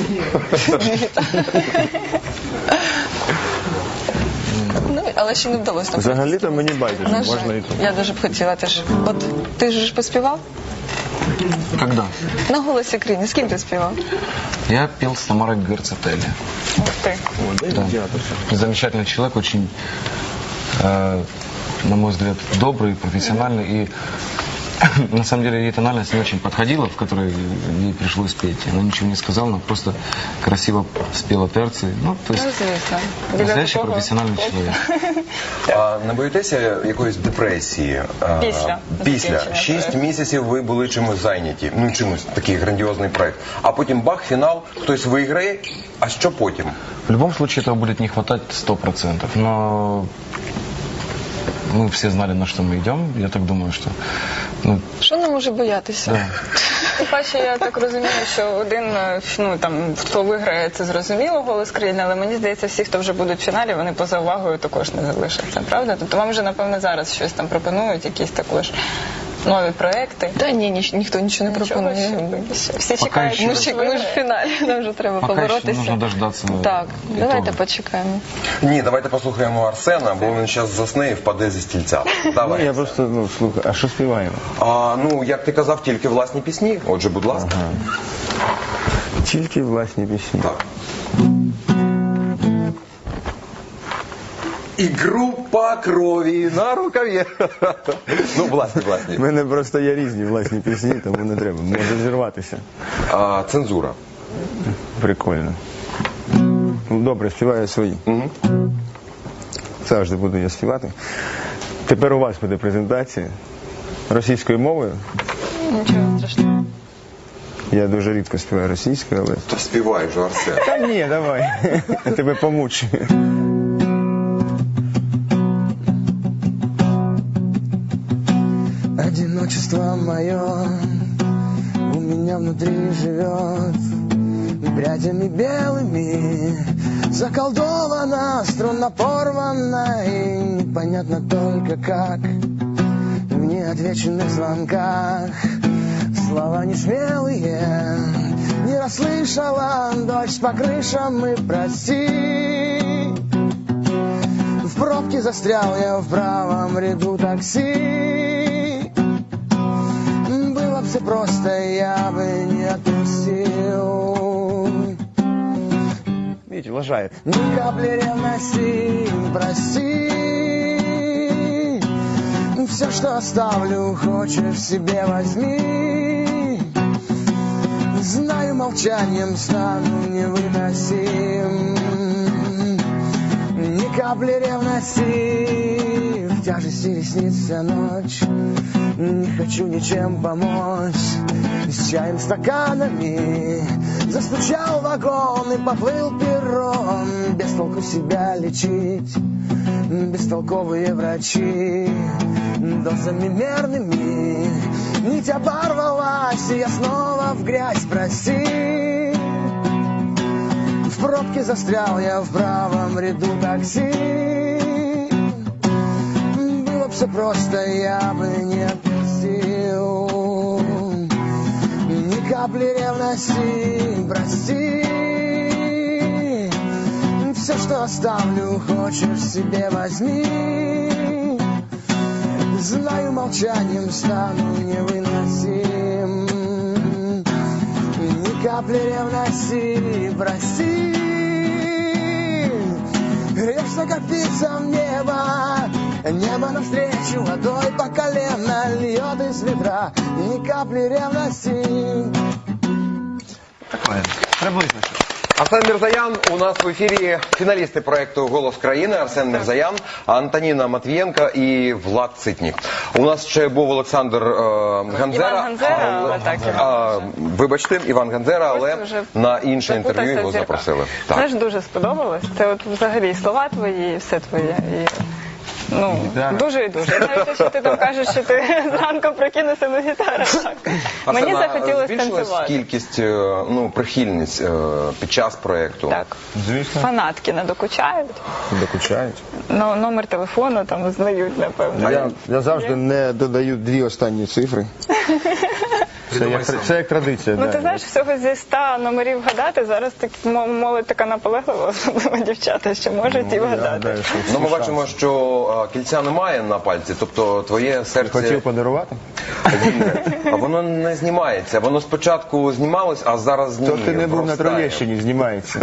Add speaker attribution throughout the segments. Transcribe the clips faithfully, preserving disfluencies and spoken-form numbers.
Speaker 1: Ну, але ще не вдалося.
Speaker 2: Взагалі-то мені байдуже,
Speaker 1: На
Speaker 2: можна
Speaker 1: жаль,
Speaker 2: і тут.
Speaker 1: я дуже б хотіла теж. От ти ж поспівав?
Speaker 3: Когда?
Speaker 1: На «Голосі країни» з ким ти співав?
Speaker 3: Я пел с Тамарой Герцетели.
Speaker 1: Ух ти.
Speaker 2: О, де
Speaker 3: Да.
Speaker 2: діатося?
Speaker 3: Замечательный человек, очень, э, на мой взгляд, добрый, профессиональный. И на самом деле ей тональность не очень подходила, в которой ей пришлось петь. Она ничего не сказала, она просто красиво спела терции. Ну, то есть,
Speaker 1: Ну, звісно. Біля
Speaker 3: настоящий
Speaker 1: такого-
Speaker 3: профессиональный человек.
Speaker 4: А не боїтеся якоїсь депресії? А,
Speaker 1: Після
Speaker 4: Після.
Speaker 1: закінчення
Speaker 4: Шість
Speaker 1: проекту.
Speaker 4: місяців ви були чимось зайняті. Ну, чимось, такий грандіозний проект. А потім бах, фінал, хтось виграє. А що потім?
Speaker 3: В любом случае этого будет не хватать сто процентов. Но мы все знали, на что мы идем. Я так думаю, что... Ну,
Speaker 1: Що не може боятися?
Speaker 3: да.
Speaker 5: Тим паче, я так розумію, що один, ну там, хто виграє, це зрозуміло, «Голос країни», але мені здається, всі, хто вже будуть в фіналі, вони поза увагою також не залишаться, правда? Тобто вам вже, напевно, зараз щось там пропонують, якісь також нові проекти.
Speaker 1: Та ні, ні, ніхто нічого не
Speaker 5: Нічого
Speaker 1: пропонує.
Speaker 5: ще. Всі
Speaker 3: Пока
Speaker 5: чекають,
Speaker 3: ще.
Speaker 5: що
Speaker 1: Ми ж,
Speaker 5: хтось
Speaker 1: ми ж в
Speaker 5: виграє.
Speaker 1: фіналі, нам вже треба
Speaker 3: Пока еще
Speaker 1: поборотися.
Speaker 3: нужно дождаться
Speaker 1: Так,
Speaker 3: итога.
Speaker 1: давайте почекаємо.
Speaker 4: Ні, давайте послухаємо Арсена, бо він зараз засне і впаде зі стільця.
Speaker 2: Ну,
Speaker 4: Давай.
Speaker 2: я просто, ну, слухай, а що співаємо?
Speaker 4: А, ну, як ти казав, тільки власні пісні. Отже, будь ласка.
Speaker 2: Тільки власні пісні.
Speaker 4: Так. І група крові на рукаві. Ну, власні,
Speaker 2: У
Speaker 4: власні.
Speaker 2: мене просто є різні власні пісні, тому не треба. Може зірватися.
Speaker 4: А, цензура.
Speaker 2: Прикольно. Ну, добре, співаю свої.
Speaker 4: Угу.
Speaker 2: Завжди буду я співати. Тепер у вас буде презентація російською мовою.
Speaker 1: Нічого страшного.
Speaker 2: Я дуже рідко співаю російською, але...
Speaker 4: Та співай вже, Арсен.
Speaker 2: Та ні, давай. Тебе помучу.
Speaker 6: Одиночество мое у меня внутри живет, прядями белыми заколдована, струна порвана, и непонятно только как в неотвеченных звонках слова несмелые не расслышала, дождь по крышам и прости. В пробке застрял я в правом ряду такси. Было бы все просто, я бы не отпустил.
Speaker 2: Видите, лажает.
Speaker 6: Ни капли ревности, прости. Все, что оставлю, хочешь себе возьми. Знаю, молчанием стану невыносим. Ни капли ревности, в тяжести ресниц вся ночь. Не хочу ничем помочь. С чаем, стаканами застучал вагон и поплыл перрон. Без толку себя лечить, бестолковые врачи. Дозами мерными нить оборвалась, и я снова в грязь, прости. В пробке застрял я в правом ряду такси. Было бы все просто, я бы не отпустил. Ни капли ревности, прости. Все, что оставлю, хочешь себе возьми. Знаю, молчанием стану невыносим. Ни капли ревности, прости. Грешно, как птица в небо. Небо навстречу водой по колено льет из ведра. Ни капли ревности.
Speaker 3: Такое. Приблизно.
Speaker 4: Арсен Мірзаян у нас в ефірі, фіналісти проекту «Голос країни». Арсен Мірзаян, Антоніна Матвієнка і Влад Цитнік. У нас ще був Олександр е, Ганзера.
Speaker 5: Іван Ганзера, але так, Іван.
Speaker 4: А, вибачте, Іван Ганзера, але
Speaker 5: вже
Speaker 4: на інше інтерв'ю
Speaker 5: запутався
Speaker 4: його
Speaker 5: в зірках.
Speaker 4: запросили.
Speaker 5: Знаєш, дуже сподобалось. Це от взагалі і слова твої, і все твоє. І... Ну,
Speaker 3: Гітара.
Speaker 5: дуже і дуже. Навіть те, що ти там кажеш, що ти зранку прокинувся на гітару. Так. Мені
Speaker 4: Арсена,
Speaker 5: захотілося
Speaker 4: збільшилась
Speaker 5: танцювати.
Speaker 4: кількість, е, ну, прихильниць е, під час проекту?
Speaker 5: Так.
Speaker 2: Звісно,
Speaker 5: Фанатки не докучають.
Speaker 2: докучають.
Speaker 5: Ну, номер телефону там знають, напевно.
Speaker 2: Я, я завжди не додаю дві останні цифри. Це як, це як традиція.
Speaker 5: Ну
Speaker 2: да.
Speaker 5: ти знаєш, всього зі ста номерів гадати, зараз так мо- молодь така наполеглива, особливо дівчата, що можуть і
Speaker 2: Я
Speaker 5: вгадати.
Speaker 2: гадаю, що всі
Speaker 4: Ну, ми
Speaker 2: шанси.
Speaker 4: бачимо, що а, кільця немає на пальці, тобто твоє серце...
Speaker 2: Хотів подарувати?
Speaker 4: А воно не знімається. Воно спочатку знімалось, а зараз ні.
Speaker 2: То ти не був на
Speaker 4: вростає.
Speaker 2: Троєщині, знімається.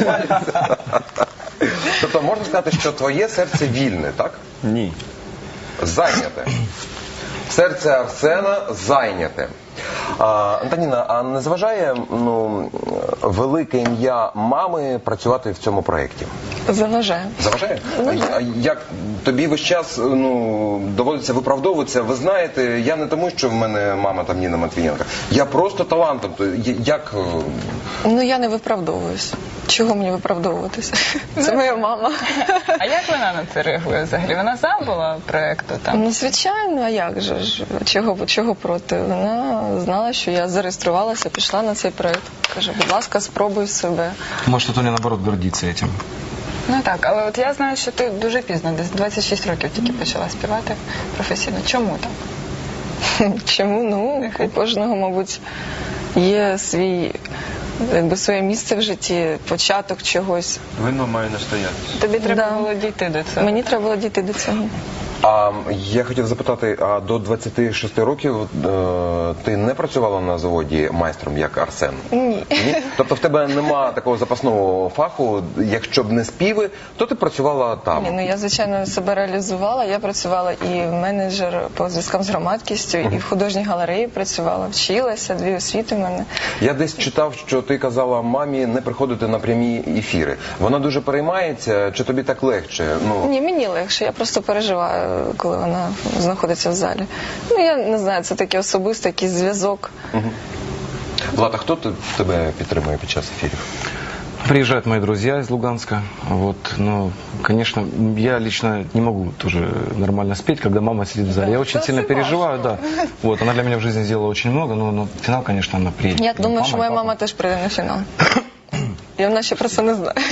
Speaker 4: Тобто можна сказати, що твоє серце вільне, так?
Speaker 2: Ні.
Speaker 4: Зайняте. Серце Арсена зайняте. А, Антоніна, а не зважає ну, велике ім'я мами працювати в цьому проєкті?
Speaker 1: Заважає.
Speaker 4: Заважає? А як тобі весь час ну, доводиться виправдовуватися? Ви знаєте, я не тому, що в мене мама там Ніна Матвієнка. Я просто талантом. То Як...
Speaker 1: Ну я не виправдовуюсь. Чого мені виправдовуватися? Це моя мама.
Speaker 5: А як вона на це реагує взагалі? Вона за була проєкту там?
Speaker 1: Ну, звичайно, а як же ж? Чого, чого проти? Вона знала, що я зареєструвалася, пішла на цей проєкт. Каже, будь ласка, спробуй себе.
Speaker 3: Может, Тоня, наоборот, гордится этим.
Speaker 5: Ну так, але от я знаю, що ти дуже пізно, десь двадцять шість років тільки почала співати професійно. Чому так?
Speaker 1: Чому? Ну, у кожного, мабуть, є свій, якби своє місце в житті, початок чогось.
Speaker 2: Вино має настоятися.
Speaker 5: Тобі треба
Speaker 1: Да.
Speaker 5: було дійти до цього.
Speaker 1: Мені треба було дійти до цього.
Speaker 4: А я хотів запитати, а до двадцяти шести років е, ти не працювала на заводі майстром, як Арсен?
Speaker 1: Ні.
Speaker 4: Ні? Тобто в тебе нема такого запасного фаху, якщо б не співи, то ти працювала там.
Speaker 1: Ні, ну я, звичайно, себе реалізувала. Я працювала і менеджер по зв'язкам з громадськістю, і в художній галереї працювала, вчилася, дві освіти в мене.
Speaker 4: Я десь читав, що ти казала мамі не приходити на прямі ефіри. Вона дуже переймається, чи тобі так легше? Ну,
Speaker 1: Ні, мені легше, я просто переживаю, коли вона знаходиться в залі. Ну, я не знаю, це такий особистий якийсь зв'язок.
Speaker 4: Влад, а хто ти- тебе підтримує під час ефірів?
Speaker 3: Приезжают мои друзья из Луганска, вот, но, конечно, я лично не могу тоже нормально спеть, когда мама сидит в зале. Я очень сильно переживаю, да. Вот, она для меня в жизни сделала очень много, но на финал, конечно, она приедет.
Speaker 1: Я
Speaker 3: Ну,
Speaker 1: думаю, що
Speaker 3: и
Speaker 1: моя
Speaker 3: папа.
Speaker 1: мама теж прийде на фінал. І вона ще про це не знає.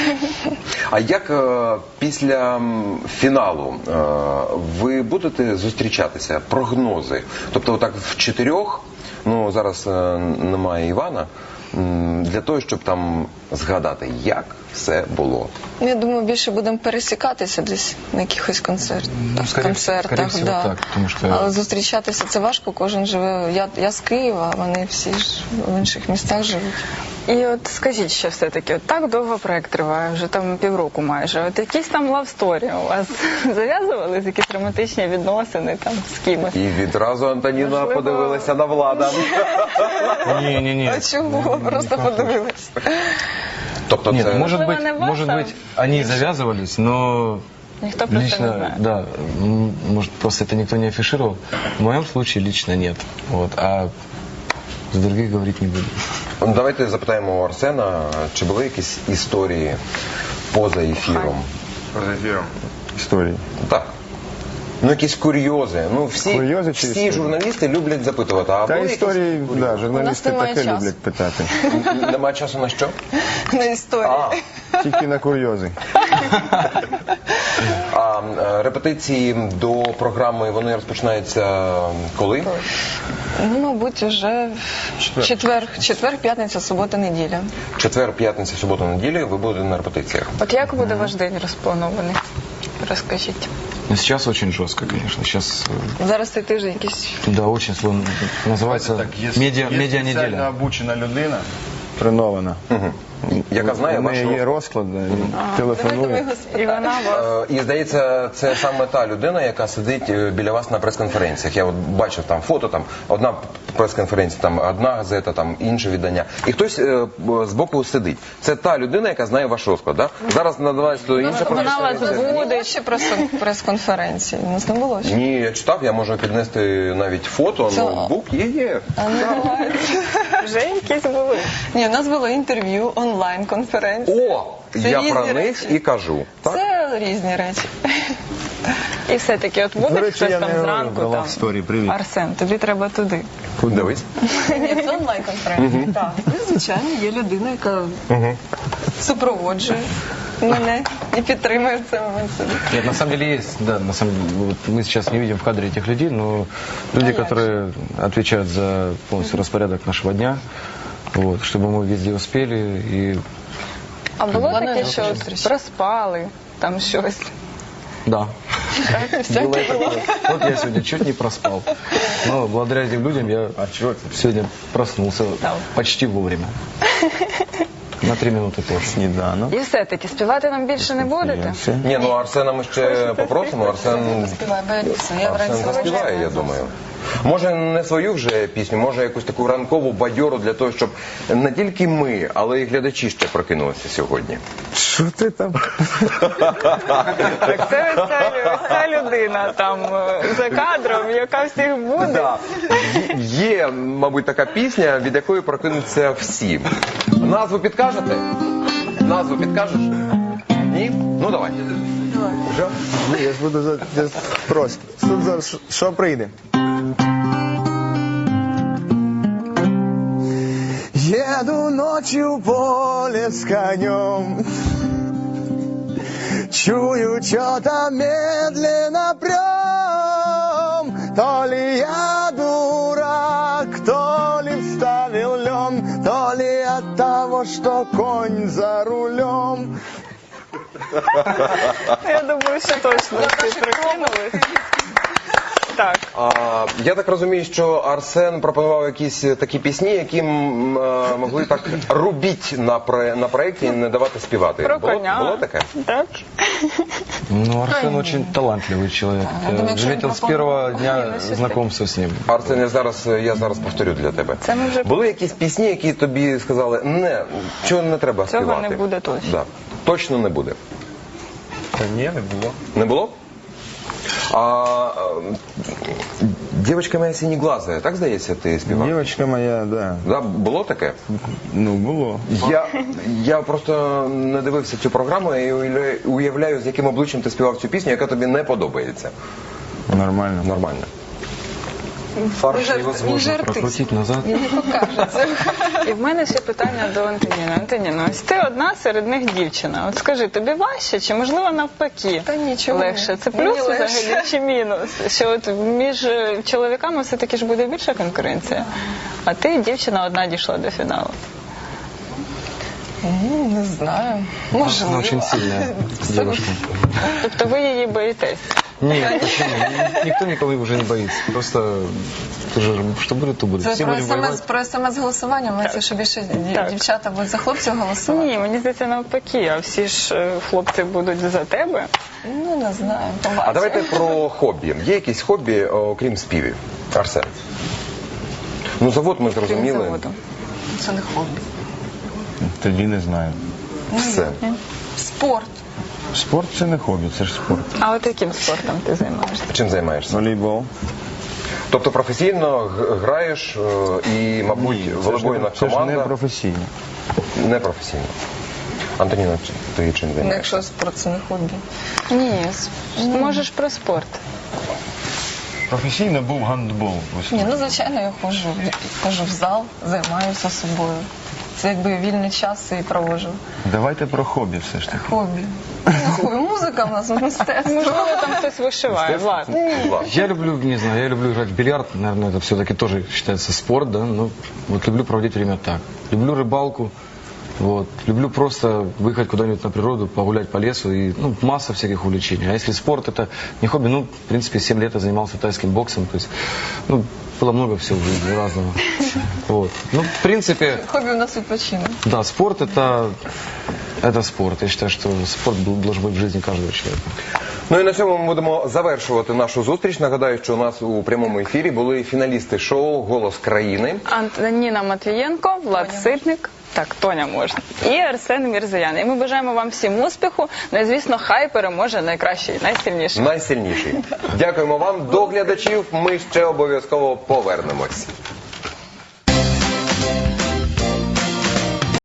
Speaker 4: А як е, після м, фіналу е, ви будете зустрічатися? Прогнози? Тобто, отак в чотирьох, ну зараз е, немає Івана, м, для того, щоб там згадати, як все було.
Speaker 1: Ну, я думаю, більше будемо пересікатися десь на якихось концертах.
Speaker 3: Ну, скоріше-
Speaker 1: концертах,
Speaker 3: скоріше всього
Speaker 1: да.
Speaker 3: так, тому що-
Speaker 1: Але зустрічатися це важко, кожен живе. Я, я з Києва, а вони всі ж в інших містах живуть.
Speaker 5: І от скажіть ще все-таки, от так довго проект триває, вже там півроку майже. От якісь там лавсторі у вас зав'язувались, якісь романтичні відносини там з кимось?
Speaker 4: І відразу Антоніна
Speaker 5: Можливо.
Speaker 4: подивилася на Влада.
Speaker 3: Не-не-не.
Speaker 1: А чому? Просто подивилась.
Speaker 4: Тобто
Speaker 3: Нет,
Speaker 4: це...
Speaker 3: может
Speaker 5: Можливо,
Speaker 3: быть,
Speaker 5: не вас,
Speaker 3: может
Speaker 5: а
Speaker 3: быть, они завязывались, но
Speaker 5: Ніхто про це не
Speaker 3: лично,
Speaker 5: знає.
Speaker 3: да, м, может, просто это никто не афишировал. В моем случае лично нет. Вот, а с других говорить не буду.
Speaker 4: Ну, давайте запитаємо у Арсена, чи були якісь історії поза ефіром?
Speaker 2: Поза ефіром. Історії.
Speaker 4: Так. Ну, якісь курйози. Ну, всі,
Speaker 2: Курйози чи
Speaker 4: всі
Speaker 2: історії?
Speaker 4: журналісти люблять запитувати, а
Speaker 2: Та
Speaker 4: були
Speaker 2: історії,
Speaker 4: якісь
Speaker 2: да,
Speaker 4: курйози?
Speaker 2: журналісти
Speaker 1: немає
Speaker 2: таке
Speaker 1: часу.
Speaker 2: люблять питати.
Speaker 4: Немає часу на що?
Speaker 1: На історії.
Speaker 4: А,
Speaker 2: Тільки на курйози.
Speaker 4: а е, репетиції до програми, вони розпочинаються коли?
Speaker 1: Ну, мабуть, вже
Speaker 2: Четвер.
Speaker 1: четвер, четвер, п'ятниця, субота, неділя.
Speaker 4: Четвер, п'ятниця, субота, неділя ви будете на репетиціях.
Speaker 5: От як буде ваш день розпланований? Розкажіть.
Speaker 3: Но сейчас очень жестко, конечно. Сейчас, э,
Speaker 1: Зараз цей тиждень якийсь.
Speaker 3: да, очень сложно. Называется медиа, медиа неделя.
Speaker 2: обучена людина, тренована.
Speaker 4: Яка знає
Speaker 2: У неї
Speaker 4: ваш
Speaker 2: є
Speaker 4: розклад.
Speaker 2: розклад, да, і телефонує.
Speaker 5: І вона вас...
Speaker 4: Е, І здається, це саме та людина, яка сидить е, біля вас на прес-конференціях. Я от бачив там фото, там одна прес-конференція, там одна газета, там інше видання. І хтось е, б- збоку сидить. Це та людина, яка знає ваш розклад. Да? Зараз надавається до інша
Speaker 5: Вона вас
Speaker 4: прес-конференція.
Speaker 5: буде.
Speaker 1: Буде ще просто прес-конференції. У нас не було ще.
Speaker 4: Ні, я читав, я можу піднести навіть фото,
Speaker 1: Це-
Speaker 4: ноутбук є, є.
Speaker 1: А не буває.
Speaker 5: Вже якісь були.
Speaker 1: Ні, у нас було інтерв'ю, онлайн-конференція.
Speaker 4: О,
Speaker 1: Це
Speaker 4: я
Speaker 1: різні
Speaker 4: про них
Speaker 1: речі.
Speaker 4: і кажу. Так?
Speaker 1: Це різні речі.
Speaker 5: І все-таки, от
Speaker 2: До
Speaker 5: буде
Speaker 2: речі,
Speaker 5: хтось
Speaker 2: я
Speaker 5: там
Speaker 2: не
Speaker 5: зранку,
Speaker 2: про
Speaker 5: там,
Speaker 2: Love Story, привіт.
Speaker 5: Арсен, тобі треба туди.
Speaker 4: Дивись.
Speaker 1: Ні, це онлайн-конференція. Так. Ну, звичайно, є людина, яка супроводжує мене і підтримує в цей момент собі.
Speaker 3: Нет, на самом деле есть, да, на самом деле, вот мы сейчас не видим в кадре этих людей, но люди,
Speaker 1: А я
Speaker 3: которые отвечают за полностью распорядок нашего дня, вот, чтобы мы везде успели и
Speaker 5: А було
Speaker 1: Плануємо
Speaker 5: таке, що
Speaker 1: зустріч.
Speaker 5: проспали, там щось.
Speaker 3: да. Было и такое. Вот я сегодня чуть не проспал. Но благодаря этим людям я сегодня проснулся почти вовремя. На три минуты позже.
Speaker 2: Сніданок.
Speaker 5: І все-таки співати нам більше не будете?
Speaker 2: Все.
Speaker 4: Ні, ну Арсена ми ще попросимо. Арсен,
Speaker 1: Співай, бо я пісню. Я
Speaker 4: Арсен
Speaker 1: вранці
Speaker 4: заспіває,
Speaker 1: вважаю,
Speaker 4: я думаю. Може не свою вже пісню, може якусь таку ранкову бадьору для того, щоб не тільки ми, але й глядачі ще прокинулися сьогодні.
Speaker 2: Що ти там?
Speaker 5: Так це ось ця, ось ця людина там е, за кадром, яка всіх буде.
Speaker 4: Да. Є, є, мабуть, така пісня, від якої прокинуться всі. Назву підкажете? Назву підкажеш? Ні? Ну давай.
Speaker 2: Що? Ні, я ж буду за я ж просто. Що зараз що- що прийде? Еду ночью в поле с конем, чую, что-то медленно прям. То ли я дурак, то ли вставил лен, то ли от того, что конь за рулем.
Speaker 5: Я думаю, що точно всі прикинулись. Так.
Speaker 4: А, я так розумію, що Арсен пропонував якісь такі пісні, які м, е, могли так рубіть на, про, на проєкті і не давати співати.
Speaker 5: Про
Speaker 4: Було,
Speaker 5: коня.
Speaker 4: було таке?
Speaker 5: Так.
Speaker 3: Ну, Арсен очень талантливый человек.
Speaker 1: я думаю,
Speaker 3: Я
Speaker 1: якщо
Speaker 3: заметил
Speaker 1: він
Speaker 3: с первого
Speaker 1: пропонував,
Speaker 3: дня
Speaker 1: ну, щось
Speaker 3: знакомства с ним.
Speaker 4: Арсен, я зараз, я зараз повторю для тебе.
Speaker 5: Це ми вже-
Speaker 4: Були якісь пісні, які тобі сказали, не, чого не треба
Speaker 5: Цього
Speaker 4: співати?
Speaker 5: не буде точно.
Speaker 4: Да. Точно не буде.
Speaker 2: Та ні, не було.
Speaker 4: Не було? А, е, дівчинка моя синеглазая, так здається, ти співав?
Speaker 2: Дівчинка моя, да.
Speaker 4: Да, було таке?
Speaker 2: Ну, було.
Speaker 4: Я, я просто не дивився цю програму і уявляю, уявляю, з яким обличчям ти співав цю пісню, яка тобі не подобається.
Speaker 2: Нормально.
Speaker 4: Нормально.
Speaker 3: Фарш
Speaker 1: Він
Speaker 3: невозможно
Speaker 1: жартист.
Speaker 3: прокрутить назад.
Speaker 1: Він не покаже це.
Speaker 5: І в мене ще питання до Антоніни. Антоніна, ось ти одна серед них дівчина. От скажи, тобі важче чи можливо навпаки?
Speaker 1: Та нічого.
Speaker 5: Легше. Це
Speaker 1: Мені
Speaker 5: плюс
Speaker 1: легше.
Speaker 5: взагалі чи мінус? Що от між е, чоловіками все-таки ж буде більша конкуренція, а ти, дівчина, одна дійшла до фіналу.
Speaker 1: Ну, не знаю.
Speaker 3: Она
Speaker 1: Можливо.
Speaker 3: очень сильная девушка.
Speaker 5: Тобто ви її боїтесь?
Speaker 3: Нет, почему? Никто никого уже не боится. Просто ты же, что будет, то будет.
Speaker 1: Це
Speaker 3: Все
Speaker 1: про
Speaker 3: будем
Speaker 1: смс,
Speaker 3: воевать.
Speaker 1: про смс-голосування. Мається, що більше дів-
Speaker 5: Так.
Speaker 1: дівчата будуть за хлопців голосувати.
Speaker 5: Ні, мені здається навпаки, а всі ж е, хлопці будуть за тебе.
Speaker 1: Ну, не знаю. Побачимо.
Speaker 4: А давайте про хобі. Є якісь хобі, окрім співів? Арсен. Ну, завод ми
Speaker 5: Крім
Speaker 4: зрозуміли.
Speaker 5: заводу.
Speaker 1: Це не хобі.
Speaker 2: Тоді не знаю.
Speaker 4: Все.
Speaker 1: Спорт.
Speaker 2: Спорт це не хобі, це ж спорт.
Speaker 5: А от яким спортом ти займаєшся?
Speaker 4: Чим займаєшся?
Speaker 2: Волейбол.
Speaker 4: Тобто професійно г- граєш е, і, мабуть,
Speaker 2: Це ж
Speaker 4: волейбольна
Speaker 2: не- це ж
Speaker 4: команда
Speaker 2: не професійно.
Speaker 4: не професійно. Антоніна, чи- ти чим
Speaker 1: Ну,
Speaker 4: займаєшся?
Speaker 1: якщо спорт це не хобі.
Speaker 5: Ні, с- можеш про спорт.
Speaker 2: Професійно був гандбол.
Speaker 1: Ні, ну звичайно, я ходжу, ходжу в зал, займаюся собою. Це якби вільний час і проводжу.
Speaker 2: Давайте про хобі все ж таки.
Speaker 1: Хобі. Ну, хобі. Музика в нас, мистецтво.
Speaker 5: Можливо, там хтось вишиває. Влад.
Speaker 4: Влад.
Speaker 3: Я люблю, не знаю, я люблю играть в бильярд, наверное, это все-таки тоже считается спорт, да, ну, вот люблю проводить время так. Люблю рыбалку, вот, люблю просто выехать куда-нибудь на природу, погулять по лесу, и, ну, масса всяких увлечений. А если спорт это не хобби, ну, в принципе, семь лет я занимался тайским боксом, то есть, ну, было много всего в жизни разного. Вот. Ну, в принципе,
Speaker 1: Хобі у нас відпочинок.
Speaker 3: да, спорт это, это спорт. Я считаю, что спорт был- должен быть в жизни каждого человека.
Speaker 4: Ну і на цьому ми будемо завершувати нашу зустріч. Нагадаю, що у нас у прямому ефірі були фіналісти шоу «Голос країни».
Speaker 5: Антоніна Матвієнко, Влад Ситник. Так, Тоня можна. І Арсен Мірзоян. І ми бажаємо вам всім успіху. Ну і, звісно, хай переможе найкращий, найсильніший.
Speaker 4: Найсильніший. Дякуємо вам. До глядачів ми ще обов'язково повернемось.